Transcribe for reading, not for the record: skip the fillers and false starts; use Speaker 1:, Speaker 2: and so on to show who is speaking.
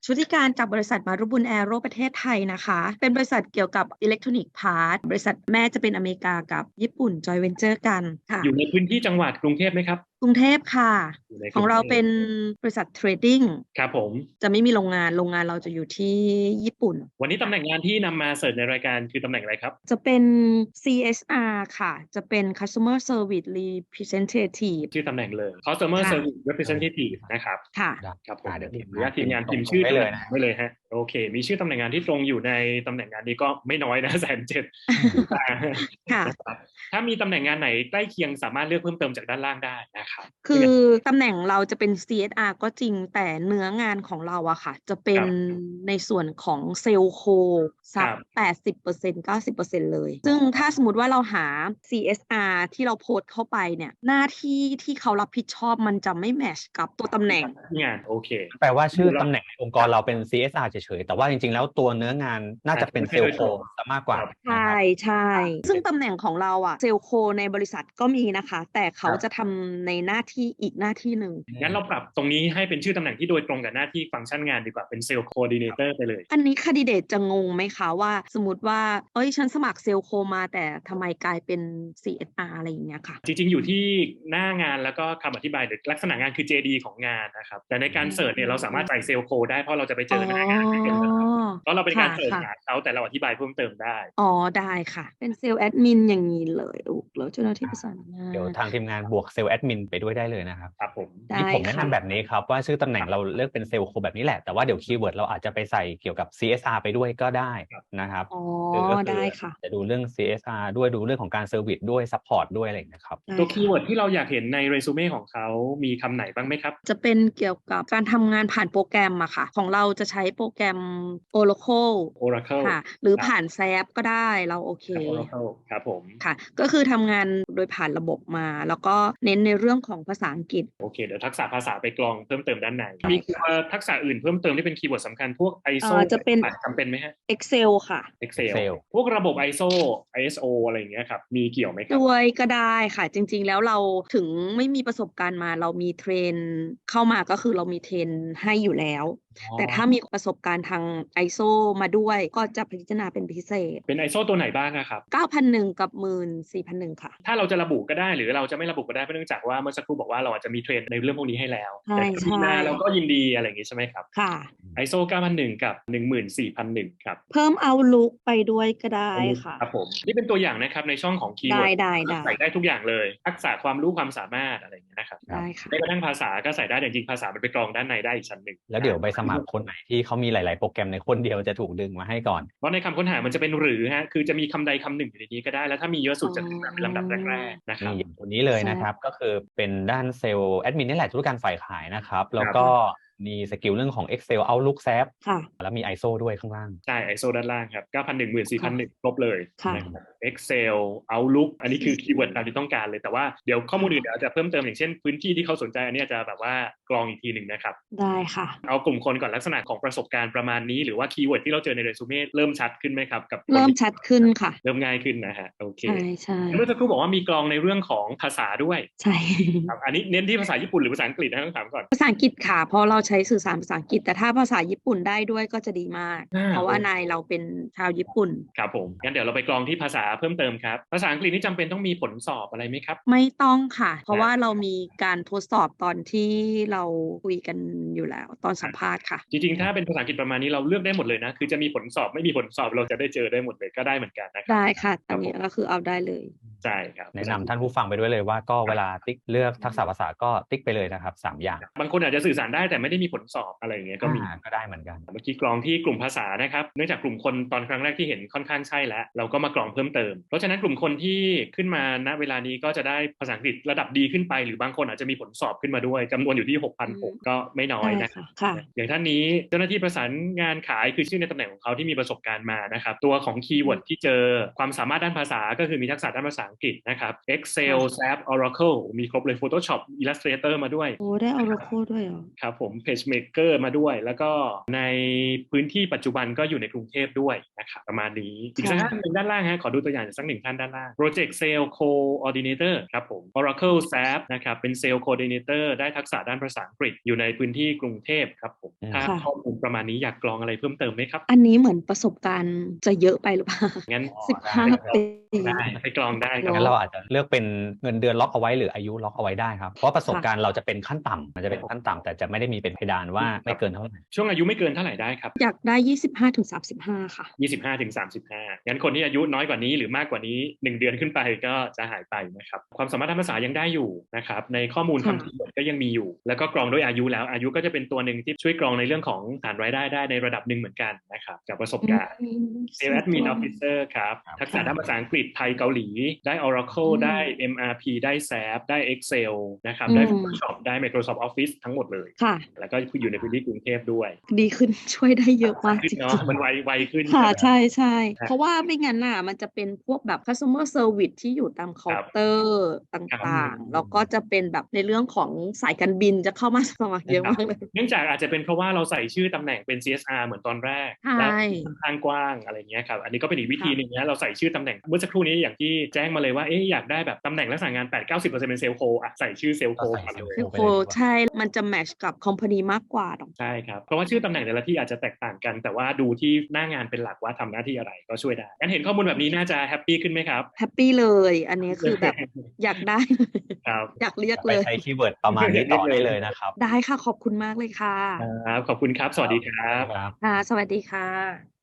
Speaker 1: ชุติการกับบริษัทมารุบุญแอโรประเทศไทยนะคะเป็นบริษัทเกี่ยวกับอิเล็กทรอนิกส์พาร์ทบริษัทแม่จะเป็นอเมริกากับญี่ปุ่นจอยเวนเจอร์กันค่ะ
Speaker 2: อยู่ในพื้นที่จังหวัดกรุงเทพไหมครับ
Speaker 1: กรุงเทพค่ะ
Speaker 2: อยู่ใน
Speaker 1: ของ
Speaker 2: กรุงเทพ
Speaker 1: เราเป็นบริษัทเทรดดิ้ง
Speaker 2: ครับผม
Speaker 1: จะไม่มีโรงงานเราจะอยู่ที่ญี่ปุ่น
Speaker 2: วันนี้ตำแหน่งงานที่นำมาเสิร์ชในรายการคือตำแหน่งอะไรครับ
Speaker 1: จะเป็น CSR ค่ะจะเป็น Customer Service Representative
Speaker 2: ชื่อตำแหน่งเลย Customer
Speaker 1: ค่ะ
Speaker 2: Service Representative นะครับ
Speaker 1: ค่ะ
Speaker 2: ครับผม
Speaker 3: เดี๋ยว
Speaker 2: ขออนุญาตที
Speaker 3: ทีม
Speaker 2: มงาน
Speaker 3: งานพิมพ์
Speaker 2: พิมพ์ชื่อ
Speaker 3: ส่งได้เลยนะ
Speaker 2: ตำแหน่งไว้เลยฮะโอเคมีชื่อตำแหน่งงานที่ตรงอยู่ในตำแหน่งงานนี้ก็ไม่น้อยนะ170,000
Speaker 1: ค่ะ
Speaker 2: นะครับถ้ามีตำแหน่งงานไหนใกล้เคียงสามารถเลือกเพิ่มเติมจากด้านล่างได้นะครับ
Speaker 1: คือตำแหน่งเราจะเป็น CSR ก็จริงแต่เนื้องานของเราอะค่ะจะเป็นในส่วนของเซลล์โคสัก80% 90%เลยซึ่งถ้าสมมติว่าเราหา CSR ที่เราโพสต์เข้าไปเนี่ยหน้าที่ที่เขารับผิดชอบมันจะไม่แมชกับตัวตำแหน่ง
Speaker 2: งานโอเค
Speaker 3: แปลว่าชื่อตำแหน่งในองค์กรเราเป็น CSR เฉยๆแต่ว่าจริงๆแล้วตัวเนื้องานน่าจะเป็นเซลล์โคมากกว่า
Speaker 1: ใช่ใช่ซึ่งตำแหน่งของเราอะเซลล์โคในบริษัทก็มีนะคะแต่เขาจะทำในหน้าที่อีกหน้าที่หนึ่ง
Speaker 2: งั้นเราปรับตรงนี้ให้เป็นชื่อตำแหน่งที่โดยตรงกับหน้าที่ฟังก์ชันงานดีกว่าเป็นเซลล์โคดิเนเตอร์ไปเลย
Speaker 1: อันนี้คนดิเดตจะงงไหมคะว่าสมมติว่าเอ้ยฉันสมัครเซลล์โคมาแต่ทำไมกลายเป็น CSR อะไรอย่างเงี้ยค่ะ
Speaker 2: จริงๆอยู่ที่หน้างานแล้วก็คำอธิบายหรือลักษณะงานคือ JD ของงานนะครับแต่ในการเสิร์ชเนี่ยเราสามารถใส่เซลล์โคได้เพราะเราจะไปเจอพนักงานที่เป็นเพราะเราเป็นการเสิร์ชหาเขาแต่เราอธิบายเพิ่มเติมได้
Speaker 1: อ๋อได้ค่ะเป็นเซลล์แอดมินอย่างนี้เลยแล้วเจ้าหน้าที่ประสานงาน
Speaker 3: เดี๋ยวทางทีมงานบวกเซลล์แอดมินไปด้วยได้เลยนะครับ
Speaker 2: ครับผม
Speaker 3: ที่ผมแนะนำแบบนี้ครับว่าชื่อตำแหน่งเราเลือกเป็นเซลล์โคแบบนี้แหละแต่ว่าเดี๋ยวคีย์เวิร์ดเราอาจจะไปใส่เกี่ยวกับ CSR ไปด้วยก็ได้นะครับ
Speaker 1: อ๋อ
Speaker 3: ก็คือ
Speaker 1: ได้ค่ะ
Speaker 3: จะดูเรื่อง CSR ด้วยดูเรื่องของการเซอร์วิสด้วยซัพพอร์ตด้วยอะไรอย่างเงี้ยครับ
Speaker 2: ตัวคีย์เวิร์ดที่เราอยากเห็นในเรซูเม่ของเขามีคำไหนบ้างไหมครับ
Speaker 1: จะเป็นเกี่ยวกับการทำงานผ่านโปรแกรมอะค่ะของเราจะใช้โปรแกรม Oracle
Speaker 2: Oracle
Speaker 1: ค่ะหรือผ่านแซฟก็ได้เราโอเค
Speaker 2: Oracle ครับผม
Speaker 1: ค่ะก็คือทำงานโดยผ่านระบบมาแล้วก็เน้นในเรื่องของภาษาอังกฤษ
Speaker 2: โอเคเดี๋ยวทักษะภาษาไปกรองเพิ่มเติมด้านในมีทักษะอื่นเพิ่มเติมที่เป็นคีย์เวิร์ดสำคัญพวก ISO
Speaker 1: จะเป็น
Speaker 2: จำเป็นไหมฮะ
Speaker 1: Excel ค่ะ
Speaker 2: Excel พวกระบบ ISO ISO อะไรอย่างเงี้ยครับมีเกี่ยวไหมครับ
Speaker 1: ด้วยก็ได้ค่ะจริงๆแล้วเราถึงไม่มีประสบการณ์มาเรามีเทรนเข้ามาก็คือเรามีเทรนให้อยู่แล้วแต่ถ้ามีประสบการณ์ทาง ISO มาด้วยก็จะพิจารณาเป็นพิเศษ
Speaker 2: เป็น ISO ตัวไหนบ้างครับ
Speaker 1: 9,001กับ14,001ค่ะ
Speaker 2: ถ้าเราจะระบุก็ได้หรือเราจะไม่ระบุก็ได้เพราะเนื่องจากว่าเมื่อสักครู่บอกว่าเราอาจจะมีเทรนในเรื่องพวกนี้ให้แล้ว
Speaker 1: ใช่
Speaker 2: แต่มีมาเราก็ยินดีอะไรอย่างงี้ใช่ไหมครับ
Speaker 1: ค่ะ
Speaker 2: ISO 9001กับ14001ครับ
Speaker 1: เพิ่ม Outlook ไปด้วยก็ได้ค่ะ
Speaker 2: ครับผมนี่เป็นตัวอย่างนะครับในช่องของคีย์เวิร์ดใส่ได้ทุกอย่างเลยทักษะความรู้ความสามารถอะไรอย่างเงี้ยนะครับ
Speaker 1: ได้ค่ะ
Speaker 2: แม้กระทั่งภาษาก็ใส่ได้แต่จริงๆภาษามันไปกรองด้านในได้อีกชั้นหนึ่ง
Speaker 3: แล้วเดี๋ยวใบสมัครคนไหนที่เขามีหลายๆโปรแกรมในคนเดียวจะถูกดึงมาให้ก่อน
Speaker 2: เพราะในคำค้นหามันจะเป็นหรือฮะคือจะมีคำใดคำหนึ่งอยู่ในนี้ก็ได้แล้วถ้ามีเยอะสุดจะขึ้นมาเป็นลำดับแรกๆนะครับ
Speaker 3: นี่ตัวนี้เลยนะครับก็คือเป็นด้านเซลล์แอดมินนี่แหละธุรการฝ่ายขายนะครับแล้วก็มีสกิลเรื่องของ Excel Outlook SAP แล้วมี ISO ด้วยข้างล่าง
Speaker 2: ใช่ ISO ด้านล่างครับ9,001 14,001ครบเลย
Speaker 1: นะครับ
Speaker 2: Excel Outlook อันนี้คือคีย์เวิร์ดตามที่ต้องการเลยแต่ว่าเดี๋ยวข้อมูลอื่นเดี๋ยวจะเพิ่มเติมอย่างเช่นพื้นที่ที่เขาสนใจอันนี้จะแบบว่ากรองอีกทีหนึ่งนะครับ
Speaker 1: ได้ค่ะ
Speaker 2: เอากลุ่มคนก่อนลักษณะของประสบการณ์ประมาณนี้หรือว่าคีย์เวิร์ดที่เราเจอในเรซูเม่เริ่มชัดขึ้นไหมครับกับ
Speaker 1: เริ่มชัดขึ้นค่ะ
Speaker 2: เริ่มง่ายขึ้นนะฮะโอเค
Speaker 1: ใช่
Speaker 2: เมื่อสักครู่บอกว่ามีกรองในเรื่องของภาษาด้วย
Speaker 1: ใช่
Speaker 2: ครับอันนี้เน้นที่ภาษาญี่ปุ่นหรือภาษาอังกฤษนะต้องถามก่อน
Speaker 1: ภาษาอังกฤษค่ะเพราะเราใช้สื่อสารภาษาอังกฤษแต่ถ้าภาษาญี่ปุ่นได้ด้วยก็จะดีมากเพราะว่านายเราเป็นชาวญี่ปุ่น
Speaker 2: ครับผมงั้นเดี๋ยวเราไปกรองที่ภาษาเพิ่มเติมครับภาษาอังกฤษนี่จำเป็นต้องมีผลสอบอะไรไหมครับ
Speaker 1: ไม่ต้องค่ะเพราะว่าเรามีการทดสอบตอนที่เราคุยกันอยู่แล้วตอนสัมภาษณ์ค่ะ
Speaker 2: จริงๆถ้าเป็นภาษาอังกฤษประมาณนี้เราเลือกได้หมดเลยนะคือจะมีผลสอบไม่มีผลสอบเราจะได้เจอได้หมดเลยก็ได้เหมือนกันนะครับ
Speaker 1: ได้ค่ะอันนี้ก็คือเอาได้เลย
Speaker 2: ใช่ครับ
Speaker 3: แนะนำท่านผู้ฟังไปด้วยเลยว่าก็เวลาติ๊กเลือกทักษะภาษาก็ติ๊กไปเลยนะครับ3อย่าง
Speaker 2: บางคนอาจจะสื่อสารได้แต่ไม่ได้มีผลสอบอะไรอย่างเงี้ยก็มี
Speaker 3: ก็ได้เหมือนกัน
Speaker 2: เมื่อกี้กรองที่กลุ่มภาษานะครับเนื่องจากกลุ่มคนตอนครั้งแรกที่เห็นค่อนข้างใช่แล้วเราก็มากรองเพิ่มเติมเพราะฉะนั้นกลุ่มคนที่ขึ้นมาณเวลานี้ก็จะได้ภาษาอังกฤษระดับดีขึ้นไปหรือบางคนอาจจะมีผลสอบขึ้นมาด้วยจำนวนอยู่ที่ 6,600 ก็ไม่น้อยนะครับอย่างท่านนี้เจ้าหน้าที่ประสานงานขายคือชื่อในตำแหน่งของเขาที่มีประสบการณ์มานะครับตัวของคีย์เวิร์ดที่เจอความสามารถด้านภาษาก็คือมีทักษะด้านภาษาอังกฤษนะครับ Excel SAP Oracle มีครบเลย Photoshop Illustrator มาด้วย
Speaker 1: โอ้ได้ Oracle ด้วยเหรอ
Speaker 2: ครับผม PageMaker มาด้วยแล้วก็ในพื้นที่ปัจจุบันก็อยู่ในกรุงเทพด้วยนะครับประมาณนี้อีกสักท่านหนึ่งด้านล่างฮะขอดูตัวอย่างสักหนึ่งท่านด้านล่าง Project Sales Coordinator ครับผม Oracle SAP นะครับเป็น Sales Coordinator ได้ทักษะด้านภาษาอังกฤษอยู่ในพื้นที่กรุงเทพครับผมถ้าข้อมูลประมาณนี้อยากกรองอะไรเพิ่มเติมไหมครับ
Speaker 1: อันนี้เหมือนประสบการณ์จะเยอะไปหรือเปล่า
Speaker 2: งั้น
Speaker 1: 15 ปี
Speaker 2: ได้ไปกรองได้ครับ
Speaker 3: งั้นเราอาจจะเลือกเป็นเงินเดือนล็อกเอาไว้หรืออายุล็อกเอาไว้ได้ครับเพราะประสบการณ์เราจะเป็นขั้นต่ำมันจะเป็นขั้นต่ำแต่จะไม่ได้มีเป็นเพดานว่าไม่เกินเท่าไหร่
Speaker 2: ช่วงอายุไม่เกินเท่าไหร่ได้ครับ
Speaker 1: อยากได้25-35ค่ะ
Speaker 2: 25-35งั้นคนที่อายุน้อยกว่านี้หรือมากกว่านี้1เดือนขึ้นไปก็จะหายไปนะครับความสามารถทางภาษายังได้อยู่นะครับในข้อมูลคำคีย์เวิร์ดก็ยังมีอยู่แล้วก็กรองด้วยอายุแล้วอายุก็จะเป็นตัวหนึ่งที่ช่วยกรองในเรื่องของฐานรายได้ได้ในระดับหนึ่งเหมือนกันนะครับจากประสบการณ์ Sales Admin Officer ครับทักษะด้านภาษาอังกฤษไทยเกาหลีได้ Oracle ได้ MRP ได้ SAP ได้ Excel นะครับได้ Photoshop ได้ Microsoft Office ทั้งหมดเลยแล้วก็อยู่ในพื้นที่กรุงเทพด้วย
Speaker 1: ดีขึ้นช่วยได้เยอะมากจริง
Speaker 2: ๆมันไวขึ้น
Speaker 1: ค่ะใช่ใช่เพราะว่าไม่งั้นน่ะมันจะเป็นพวกแบบ customer service ที่อยู่ตามเคาน์เตอร์ต่างๆแล้วก็จะเป็นแบบในเรื่องของสายการบินจะเข้ามาสมัครเยอะมากเลย
Speaker 2: เนื่องจากอาจจะเป็นเพราะว่าเราใส่ชื่อตำแหน่งเป็น CSR เหมือนตอนแรกแล้วค่อนข้างกว้างอะไรเงี้ยครับอันนี้ก็เป็นอีกวิธีนึงนะเราใส่ชื่อตำแหน่งเมื่อสักครู่นี้อย่างที่แจ้งมาเลยว่าอยากได้แบบตำแหน่งลักษณะงาน 8-90% เป็นเซลล์โคใส่ชื่อเซลล์โคมาเลย
Speaker 1: เซลล์โคใช่มันจะแมทช์กับคอมพานีมากกว่า
Speaker 2: ใช่ครับเพราะว่าชื่อตำแหน่งแต่ละที่อาจจะแตกต่างกันแต่ว่าดูที่หน้างานเป็นหลักว่าทำหน้าที่อะไรก็ช่วยได้งั้นเห็นข้อมูลแบบนี้น่าจะแฮปปี้ขึ้นไหมครับ
Speaker 1: แฮปปี้เลยอันนี้คือแบบอยากได้
Speaker 2: ครับ
Speaker 1: อยากเรียกเลย
Speaker 3: ไปใช้คีย์เวิร์ดประมาณนี้ต่อได้เลยนะครับ
Speaker 1: ได้ค่ะขอบคุณมากเลยค่ะ
Speaker 2: ครับขอบคุณครับสวัสดีครับ
Speaker 1: ค่ะสวัสดีค่ะ